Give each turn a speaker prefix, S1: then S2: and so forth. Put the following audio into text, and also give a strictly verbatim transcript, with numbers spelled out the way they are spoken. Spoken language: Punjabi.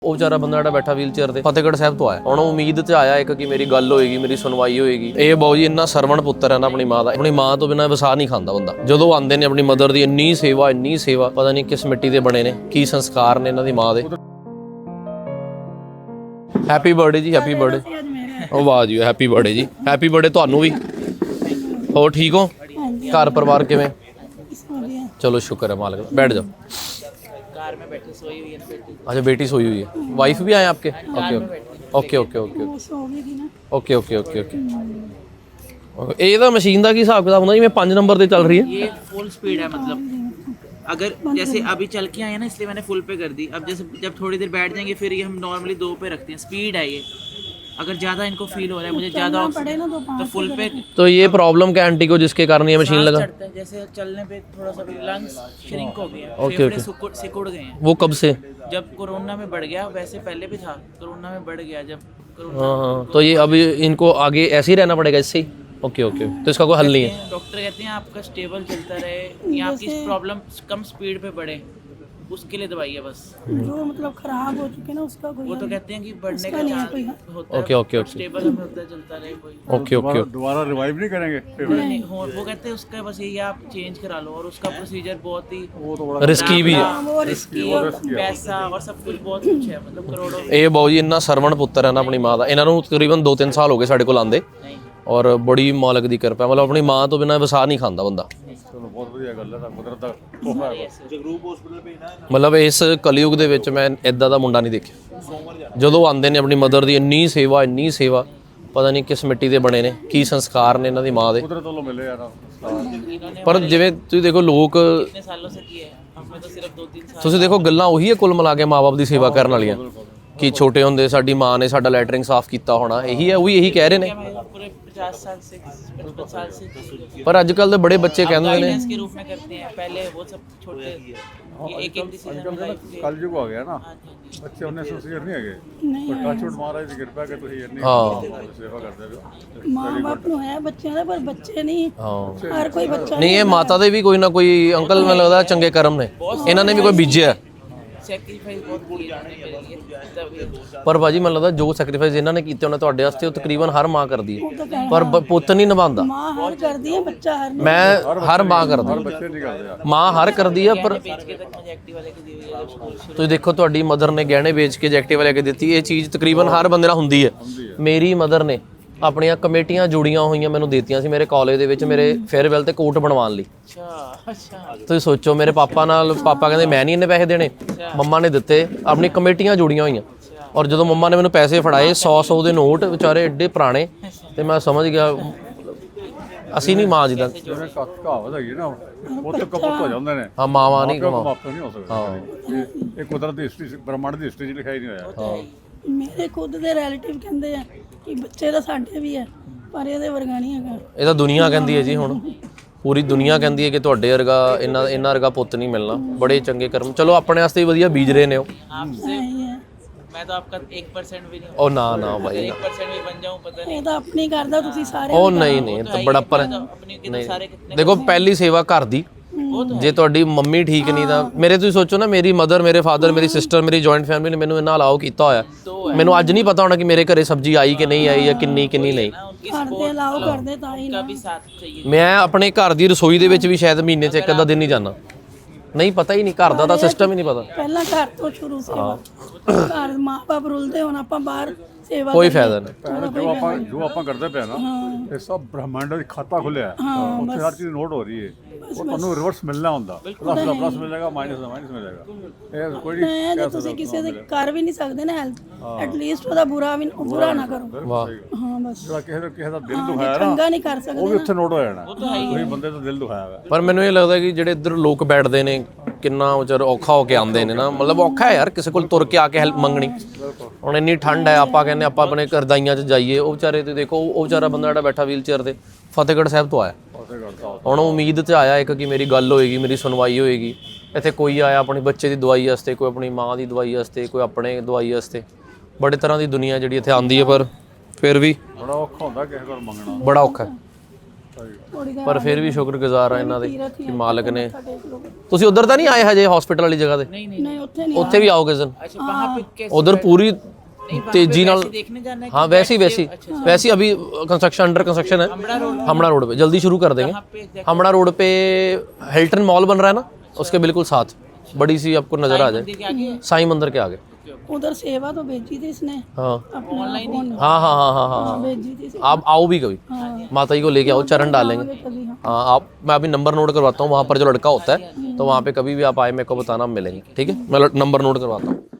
S1: ਉਹ ਵਿਚਾਰਾ ਬੰਦਾ ਜਿਹੜਾ ਬੈਠਾ ਵੀਲ ਚੇਅਰ ਤੇ ਫਤਿਹਗੜ੍ਹ ਸਾਹਿਬ ਤੋਂ ਆਇਆ। ਹੁਣ ਉਮੀਦ ਤੇ ਆਇਆ ਇੱਕ ਕਿ ਮੇਰੀ ਗੱਲ ਹੋਏਗੀ, ਮੇਰੀ ਸੁਣਵਾਈ ਹੋਏਗੀ। ਇਹ ਬਾਊ ਜੀ ਇੰਨਾ ਸਰਵਣ ਪੁੱਤਰ ਹੈ ਨਾ ਆਪਣੀ ਮਾਂ ਦਾ, ਆਪਣੀ ਮਾਂ ਤੋਂ ਬਿਨਾਂ ਵਸਾ ਨਹੀਂ ਖਾਂਦਾ ਬੰਦਾ। ਜਦੋਂ ਆਉਂਦੇ ਨੇ ਆਪਣੀ ਮਦਰ ਦੀ ਇੰਨੀ ਸੇਵਾ ਇੰਨੀ ਸੇਵਾ, ਪਤਾ ਨਹੀਂ ਕਿਸ ਮਿੱਟੀ ਦੇ ਬਣੇ ਨੇ, ਕੀ ਸੰਸਕਾਰ ਨੇ ਇਹਨਾਂ ਦੀ ਮਾਂ ਦੇ। ਹੈਪੀ ਬਰਥਡੇ ਜੀ, ਹੈਪੀ ਬਰਥਡੇ। ਉਹ ਵਾਹ ਜੀ, ਹੈਪੀ ਬਰਥਡੇ ਜੀ, ਹੈਪੀ ਬਰਥਡੇ ਤੁਹਾਨੂੰ ਵੀ। ਹੋਰ ਠੀਕ ਹੋ? ਘਰ ਪਰਿਵਾਰ ਕਿਵੇਂ? ਚਲੋ ਸ਼ੁਕਰ है मालिक का। बैठ जाओ।
S2: कार में बैठी सोई हुई है ना बेटी।
S1: अच्छा बेटी सोई हुई है, वाइफ भी आए आपके? Okay okay okay okay okay okay okay okay. ਇਹਦਾ ਮਸ਼ੀਨ ਦਾ ਕੀ ਹਿਸਾਬ ਕਿਤਾਬ ਹੁੰਦਾ? ਜਿਵੇਂ ਪੰਜ ਨੰਬਰ ਤੇ ਚੱਲ ਰਹੀ ਹੈ।
S2: ये फुल स्पीड है, मतलब अगर जैसे अभी चल के आए ना, इसलिए मैंने फुल पे कर दी। अब जैसे जब थोड़ी देर बैठ जाएंगे फिर ये हम नॉर्मली दो पे रखते हैं। स्पीड है ये, अगर ज़्यादा इनको फील हो रहा है, मुझे ज़्यादा तो फुल पे।
S1: तो ये प्रॉब्लम क्या आंटी को जिसके कारण ये मशीन लगा?
S2: चढ़ता है, जैसे चलने पे थोड़ा सा लंग्स श्रिंक हो गए हैं,
S1: ओके
S2: फेफड़े सिकुड़ सिकुड़ गए हैं।
S1: वो कब से?
S2: जब कोरोना में बढ़ गया, वैसे पहले भी था, कोरोना में बढ़ गया जब कोरोना।
S1: हाँ हाँ, तो ये अभी इनको आगे ऐसे ही रहना पड़ेगा इससे ही? ओके ओके, तो इसका कोई हल नहीं है?
S2: डॉक्टर कहते हैं आपका स्टेबल चलता रहे, या आपकी प्रॉब्लम कम स्पीड पे बढ़े, उसके लिए दवाई है बस।
S3: जो मतलब खराब हो चुके ना उसका कोई
S2: वो तो कहते हैं कि बढ़ने का चांस होता है।
S1: ओके ओके ओके
S2: स्टेबल हमें होता चलता रहे कोई।
S1: Okay okay.
S4: दोबारा रिवाइव नहीं करेंगे?
S2: नहीं नहीं, हो वो कहते हैं उसका बस यही आप चेंज करा लो, और उसका प्रोसीजर बहुत ही
S4: वो तो बड़ा
S1: रिस्की भी है।
S2: वो रिस्की और पैसा और सब कुछ बहुत कुछ है, मतलब करोड़ों।
S1: ਇਹ ਬਾਊ ਜੀ ਇੰਨਾ ਸਰਵਣ ਪੁੱਤਰ ਹੈ ਨਾ ਆਪਣੀ ਮਾਂ ਦਾ। ਇਹਨਾਂ ਨੂੰ ਤਕਰੀਬਨ ਦੋ ਤਿੰਨ ਸਾਲ ਹੋ ਗਏ ਸਾਡੇ ਕੋਲ ਆਂਦੇ, ਔਰ ਬੜੀ ਮਾਲਕ ਦੀ ਕਿਰਪਾ। ਮਤਲਬ ਆਪਣੀ ਮਾਂ ਤੋਂ ਬਿਨਾਂ ਵਸਾ ਨਹੀਂ ਖਾਂਦਾ ਬੰਦਾ।
S4: ਚਲੋ ਬਹੁਤ ਵਧੀਆ ਗੱਲ ਹੈ, ਤਾਂ ਕੁਦਰਤ ਦਾ ਤੋਹਫਾ ਹੈ।
S1: ਮਤਲਬ ਇਸ ਕਲਯੁਗ ਦੇ ਵਿੱਚ ਮੈਂ ਇਦਾਂ ਦਾ ਮੁੰਡਾ ਨਹੀਂ ਦੇਖਿਆ। ਜਦੋਂ ਆਉਂਦੇ ਨੇ ਆਪਣੀ ਮਦਰ ਦੀ ਇੰਨੀ ਸੇਵਾ ਇੰਨੀ ਸੇਵਾ, ਪਤਾ ਨਹੀਂ ਕਿਸ ਮਿੱਟੀ ਦੇ ਬਣੇ ਨੇ, ਕੀ ਸੰਸਕਾਰ ਨੇ ਇਹਨਾਂ ਦੀ ਮਾਂ ਦੇ।
S4: ਕੁਦਰਤ ਵੱਲੋਂ ਮਿਲੇ ਯਾਰ।
S1: ਪਰ ਜਿਵੇਂ ਤੁਸੀਂ ਦੇਖੋ ਲੋਕ,
S2: कितने सालों से किए हैं हमने तो सिर्फ दो तीन साल।
S1: ਤੁਸੀਂ ਦੇਖੋ ਗੱਲਾਂ ਉਹੀ ਹੈ ਕੁੱਲ ਮਿਲਾ ਕੇ ਮਾਂ-ਬਾਪ ਦੀ ਸੇਵਾ ਕਰਨ ਵਾਲੀਆਂ, ਕਿ ਛੋਟੇ ਹੁੰਦੇ ਸਾਡੀ ਮਾਂ ਨੇ ਸਾਡਾ ਲੈਟਰਿੰਗ ਸਾਫ਼ ਕੀਤਾ ਹੋਣਾ। ਇਹੀ ਹੈ, ਉਹੀ ਇਹੀ ਕਹਿ ਰਹੇ ਨੇ।
S2: मैं पूरे पचास साल से पचपन साल से
S1: ਪਰ ਅੱਜ ਕੱਲ੍ਹ ਦੇ ਬੜੇ ਬੱਚੇ ਕਹਿੰਦੇ ਨੇ
S2: गाइडेंस के रूप में करते हैं। पहले वो सब छोटे ये एक एक डिसीजन लाइफ के।
S4: ਕਲਯੁਗ ਆ ਗਿਆ ਨਾ, ਬੱਚੇ ਉਹਨੇ ਸੁਸੀਅਰ ਨਹੀਂ ਹੈਗੇ। ਪਰ ਟੱਚਵੁੱਡ ਮਹਾਰਾਜ ਦੀ ਕਿਰਪਾ ਕਿ ਤੁਸੀਂ ਇੰਨੀ
S1: ਹਾਂ
S4: ਸੇਵਾ ਕਰਦੇ ਹੋ।
S3: ਮਾਂ ਬਾਪ ਨੂੰ ਹੈ ਬੱਚਿਆਂ ਦਾ, ਪਰ ਬੱਚੇ ਨਹੀਂ।
S1: ਹਾਂ
S3: ਹਰ ਕੋਈ ਬੱਚਾ
S1: ਨਹੀਂ, ਇਹ ਮਾਤਾ ਦੇ ਵੀ ਕੋਈ ਨਾ ਕੋਈ ਅੰਕਲ ਮੈਨੂੰ ਲੱਗਦਾ ਚੰਗੇ ਕਰਮ ਨੇ, ਇਹਨਾਂ ਨੇ ਵੀ ਕੋਈ ਬੀਜਿਆ।
S2: सैक्रिफाइस बहुत किए मेरे लिए, तब
S1: ਪਰ ਭਾਜੀ ਮੈਨੂੰ ਲੱਗਦਾ ਜੋ ਸੈਕਰੀਫਾਈਸ ਇਹਨਾਂ ਨੇ ਕੀਤੇ ਉਹਨੇ ਤੁਹਾਡੇ ਵਾਸਤੇ, ਉਹ ਤਕਰੀਬਨ ਹਰ ਮਾਂ ਕਰਦੀ ਹੈ, ਪਰ ਬ- ਪੁੱਤ ਨਹੀਂ ਨਿਭਾਉਂਦਾ।
S3: ਮਾਂ ਹਰ ਕਰਦੀ ਹੈ, ਬੱਚਾ ਹਰ ਨਹੀਂ।
S1: ਮੈਂ ਹਰ ਮਾਂ ਕਰਦੀ,
S4: ਬੱਚੇ ਨਹੀਂ ਕਰਦੇ ਯਾਰ।
S1: ਮਾਂ ਹਰ ਕਰਦੀ ਆ। ਪਰ
S2: बेच के तक मुझे एक्टिव वाले की दी हुई है जब स्कूल से।
S1: ਤੁਸੀਂ ਦੇਖੋ ਤੁਹਾਡੀ ਮਦਰ ਨੇ ਗਹਿਣੇ ਵੇਚ ਕੇ ਐਕਟਿਵਾ ਲੈ ਕੇ ਦਿੱਤੀ। ਇਹ ਚੀਜ਼ ਤਕਰੀਬਨ ਹਰ ਬੰਦੇ ਨਾਲ ਹੁੰਦੀ ਹੈ। ਮੇਰੀ ਮਦਰ ਨੇ ਆਪਣੀਆਂ ਕਮੇਟੀਆਂ ਜੁੜੀਆਂ ਹੋਈਆਂ ਮੈਨੂੰ ਦਿੱਤੀਆਂ ਸੀ ਮੇਰੇ ਕਾਲਜ ਦੇ ਵਿੱਚ, ਮੇਰੇ ਫੇਅਰਵੈਲ ਤੇ ਕੋਟ ਬਣਵਾਉਣ ਲਈ।
S2: अच्छा अच्छा।
S1: ਤੁਸੀਂ ਸੋਚੋ, ਮੇਰੇ ਪਾਪਾ ਨਾਲ, ਪਾਪਾ ਕਹਿੰਦੇ ਮੈਂ ਨਹੀਂ ਇੰਨੇ ਪੈਸੇ ਦੇਣੇ, ਮੰਮਾ ਨੇ ਦਿੱਤੇ, ਆਪਣੀ ਕਮੇਟੀਆਂ ਜੁੜੀਆਂ ਹੋਈਆਂ। ਔਰ ਜਦੋਂ ਮੰਮਾ ਨੇ ਮੈਨੂੰ ਪੈਸੇ ਫੜਾਏ ਸੌ ਸੌ ਦੇ ਨੋਟ, ਵਿਚਾਰੇ ਐਡੇ ਪੁਰਾਣੇ, ਤੇ ਮੈਂ ਸਮਝ ਗਿਆ ਅਸੀਂ ਨਹੀਂ ਮਾਂ ਜਿੱਦਾਂ।
S4: ਜਿਵੇਂ ਕ- ਕਹਾਵਤ ਹੈਗੀ ਨਾ, ਉਹ ਤਾਂ ਕਪੁੱਤ ਹੋ ਜਾਂਦੇ ਨੇ।
S1: ਹਾਂ ਮਾਵਾਂ ਨਹੀਂ
S4: ਕਿਉਂ
S1: ਕਮਾ।
S4: ਮਾਪੇ ਨਹੀਂ ਹੋ ਸਕਦੇ। ਇਹ- ਇਹ ਕੁਦਰਤ ਦੀ ਹਿਸਟਰੀ, ਬ੍ਰਹਮੰਡ ਦੀ ਹਿਸਟਰੀ 'ਚ ਲਿਖਿਆ ਹੀ ਨਹੀਂ ਹੋਇਆ।
S3: ਮੇਰੇ ਖੁਦ ਦੇ ਰਿਲੇਟਿਵ ਕਹਿੰਦੇ ਆ ਕਿ ਬੱਚੇ ਤਾਂ ਸਾਡੇ ਵੀ ਹੈ, ਪਰ ਇਹਦੇ ਵਰਗਾ ਨਹੀਂ ਹੈਗਾ।
S1: ਇਹ ਤਾਂ ਦੁਨੀਆ ਕਹਿੰਦੀ ਹੈ ਜੀ, ਹੁਣ ਪੂਰੀ ਦੁਨੀਆ ਕਹਿੰਦੀ ਹੈ ਕਿ ਤੁਹਾਡੇ ਵਰਗਾ ਇਹਨਾਂ ਇਹਨਾਂ ਵਰਗਾ ਪੁੱਤ ਨਹੀਂ ਮਿਲਣਾ। ਬੜੇ ਚੰਗੇ ਕਰਮ, ਚਲੋ ਆਪਣੇ ਵਾਸਤੇ ਵੀ ਵਧੀਆ ਬੀਜ ਰਹੇ ਨੇ ਉਹ।
S2: आपसे
S3: ਇਹੀ ਹੈ,
S2: मैं तो आपका एक परसेंट भी नहीं,
S1: ਉਹ ਨਾ ਨਾ ਭਾਈ,
S2: एक परसेंट भी बन जाऊं पता नहीं।
S3: ਇਹ ਤਾਂ ਆਪਣੀ ਕਰਦਾ, ਤੁਸੀਂ ਸਾਰੇ
S1: ਉਹ ਨਹੀਂ ਨਹੀਂ, ਇਹ ਤਾਂ ਬੜਾ ਪਰ
S2: अपनी कितने सारे कितने
S1: ਦੇਖੋ ਪਹਿਲੀ ਸੇਵਾ ਘਰ ਦੀ। ਜੇ ਤੁਹਾਡੀ ਮੰਮੀ ਠੀਕ ਨਹੀਂ ਤਾਂ ਮੇਰੇ, ਤੁਸੀਂ ਸੋਚੋ ਨਾ, ਮੇਰੀ ਮਦਰ, ਮੇਰੇ ਫਾਦਰ, ਮੇਰੀ ਸਿਸਟਰ, ਮੇਰੀ ਜੁਆਇੰਟ ਫੈਮਿਲੀ ਨੇ ਮੈਨੂੰ ਇੰਨਾ ਅਲਾਓ ਕੀਤਾ ਹੋਇਆ। ਮੈਨੂੰ ਅੱਜ ਨਹੀਂ ਪਤਾ ਹੋਣਾ ਕਿ ਮੇਰੇ ਘਰੇ ਸਬਜ਼ੀ ਆਈ ਕਿ ਨਹੀਂ ਆਈ, ਜਾਂ ਕਿੰਨੀ ਕਿੰਨੀ ਨਹੀਂ।
S3: ਕਰਦੇ ਅਲਾਓ ਕਰਦੇ ਤਾਂ ਹੀ ਨਾ।
S2: भी साथ चाहिए।
S1: ਮੈਂ ਆਪਣੇ ਘਰ ਦੀ ਰਸੋਈ ਦੇ ਵਿੱਚ ਵੀ ਸ਼ਾਇਦ ਮਹੀਨੇ 'ਚ ਇੱਕ ਅੱਧਾ ਦਿਨ ਨਹੀਂ ਜਾਂਦਾ। ਨਹੀਂ ਪਤਾ ਹੀ ਨਹੀਂ, ਘਰ ਦਾ ਤਾਂ ਸਿਸਟਮ ਹੀ ਨਹੀਂ ਪਤਾ।
S3: ਪਹਿਲਾਂ ਘਰ ਤੋਂ ਸ਼ੁਰੂ ਸੇਵਾ। ਘਰ ਮਾਂ ਬਾਪ ਰੁਲਦੇ, ਹੁਣ ਆਪਾਂ ਬਾਹਰ ਸੇਵਾ
S1: ਕੋਈ ਫਾਇਦਾ ਨਹੀਂ।
S4: ਭੈਣ, ਜੋ ਆਪਾਂ ਜੋ ਆਪਾਂ ਕਰਦੇ ਪਏ ਨਾ, ਇਹ ਸਭ ਬ੍ਰਹਮੰਡ ਦਾ ਖਾਤਾ ਖੁੱਲਿਆ ਹੈ। ਉੱਥੇ ਹਰ ਚੀਜ਼ ਨੋਟ ਹੋ ਰਹੀ ਹੈ। ਉਹ ਤੁਹਾਨੂੰ ਰਿਵਰਸ ਮਿਲਣਾ ਹੁੰਦਾ, ਪਲੱਸ ਦਾ ਪਲੱਸ ਮਿਲੇਗਾ, ਮਾਈਨਸ ਦਾ ਮਾਈਨਸ ਮਿਲੇਗਾ। ਇਹ ਕੋਈ ਨਹੀਂ
S3: ਮੈਂ ਜੇ ਤੁਸੀਂ ਕਿਸੇ ਦੇ ਕਰ ਵੀ ਨਹੀਂ ਸਕਦੇ ਨਾ ਹੈਲਪ, ਐਟਲੀਸਟ ਉਹਦਾ ਬੁਰਾ ਵੀ ਬੁਰਾ ਨਾ ਕਰੋ।
S1: ਵਾਹ,
S3: ਹਾਂ ਬਸ,
S4: ਜਿਹੜਾ ਕਿਸੇ ਦਾ ਕਿਸੇ ਦਾ ਦਿਲ ਦੁਖਾਇਆ ਨਾ,
S3: ਚੰਗਾ ਨਹੀਂ ਕਰ
S4: ਉਹ
S3: ਸਕਦੇ।
S4: ਵੀ ਉੱਥੇ ਨੋਟ ਹੋ ਜਾਣਾ। ਉਹੀ ਬੰਦੇ ਦਾ ਦਿਲ ਦੁਖਾਇਆ ਹੋਇਆ।
S1: ਪਰ ਮੈਨੂੰ ਇਹ ਲੱਗਦਾ ਕਿ ਜਿਹੜੇ ਇੱਧਰ ਲੋਕ ਬੈਠਦੇ ਨੇ, ਕਿੰਨਾ ਵਿਚਾਰ ਔਖਾ ਹੋ ਕੇ ਆਉਂਦੇ ਨੇ ਨਾ। ਮਤਲਬ ਔਖਾ ਹੈ ਯਾਰ ਕਿਸੇ ਕੋਲ ਤੁਰ ਕੇ ਆ ਕੇ ਹੈਲਪ ਮੰਗਣੀ। ਹੁਣ ਇੰਨੀ ਠੰਡ ਹੈ, ਆਪਾਂ ਕਹਿੰਦੇ ਆਪਾਂ ਆਪਣੇ ਕਰਦਾਈਆਂ 'ਚ ਜਾਈਏ। ਉਹ ਵਿਚਾਰੇ ਤੇ ਦੇਖੋ, ਉਹ ਵਿਚਾਰਾ ਬੰਦਾ ਜਿਹੜਾ ਬੈਠਾ ਵੀਲ ਚੇਅਰ ਤੇ ਫਤਿਹਗੜ੍ਹ ਸਾਹਿਬ ਤੋਂ ਆਇਆ। ਹੁਣ ਉਮੀਦ ਤੇ ਆਇਆ ਇੱਕ ਕਿ ਮੇਰੀ ਗੱਲ ਹੋਏਗੀ, ਮੇਰੀ ਸੁਣਵਾਈ ਹੋਏਗੀ। ਇੱਥੇ ਕੋਈ ਆਇਆ ਆਪਣੀ ਬੱਚੇ ਦੀ ਦਵਾਈ ਵਾਸਤੇ, ਕੋਈ ਆਪਣੀ ਮਾਂ ਦੀ ਦਵਾਈ ਵਾਸਤੇ, ਕੋਈ ਆਪਣੇ ਦਵਾਈ ਵਾਸਤੇ। ਬੜੇ ਤਰ੍ਹਾਂ ਦੀ ਦੁਨੀਆ ਜਿਹੜੀ ਇੱਥੇ ਆਉਂਦੀ ਹੈ, ਪਰ ਫਿਰ ਵੀ
S4: ਬੜਾ ਔਖਾ ਹੁੰਦਾ ਕਿਸੇ ਕੋਲ ਮੰਗਣਾ।
S1: ਬੜਾ ਔਖਾ ਹੈ।
S3: ਥੋੜੀ ਦੇਰ
S1: ਪਰ ਫਿਰ ਵੀ ਸ਼ੁਕਰਗੁਜ਼ਾਰ ਆ ਇਹਨਾਂ ਦੇ
S3: ਤੀਰਥ ਹੀ
S1: ਕਿ ਮਾਲਕ ਨੇ।
S3: ਸਾਡੇ ਲੋਕ
S1: ਤੁਸੀਂ ਉਧਰ ਤਾਂ ਨਹੀਂ ਆਏ ਹਜੇ ਹਸਪੀਟਲ ਵਾਲੀ ਜਗ੍ਹਾ ਤੇ?
S3: ਨਹੀਂ ਉੱਥੇ ਨਹੀਂ
S1: ਉੱਥੇ ਵੀ ਆਓਗੇ ਸਨ?
S2: अच्छा वहाँ पे कैसे
S1: ਉਧਰ ਪੂਰੀ तेजी नाल
S2: देखने जाना है?
S1: हाँ वैसे ही वैसे ही वैसे ही अभी कंस्ट्रक्शन अंडर कंस्ट्रक्शन है हमड़ा रोड पे, जल्दी शुरू कर देंगे। हमड़ा रोड पे हिल्टन मॉल बन रहा है ना, उसके बिल्कुल साथ बड़ी सी आपको नजर आ जाए साईं मंदिर के आगे।
S3: उधर सेवा तो भेजी थी इसने
S1: हाँ
S3: अपना ऑनलाइन
S1: हाँ हाँ हाँ हाँ हाँ
S3: भेजी थी
S1: आप आओ भी कभी, माता जी को लेके आओ, चरण डालेंगे।
S3: कभी हाँ
S1: हाँ आप, मैं अभी नंबर नोट करवाता हूँ, वहाँ पर जो लड़का होता है तो वहाँ पे कभी भी आप आए मेरे को बताना, हम मिलेंगे, ठीक है? मैं नंबर नोट करवाता हूँ।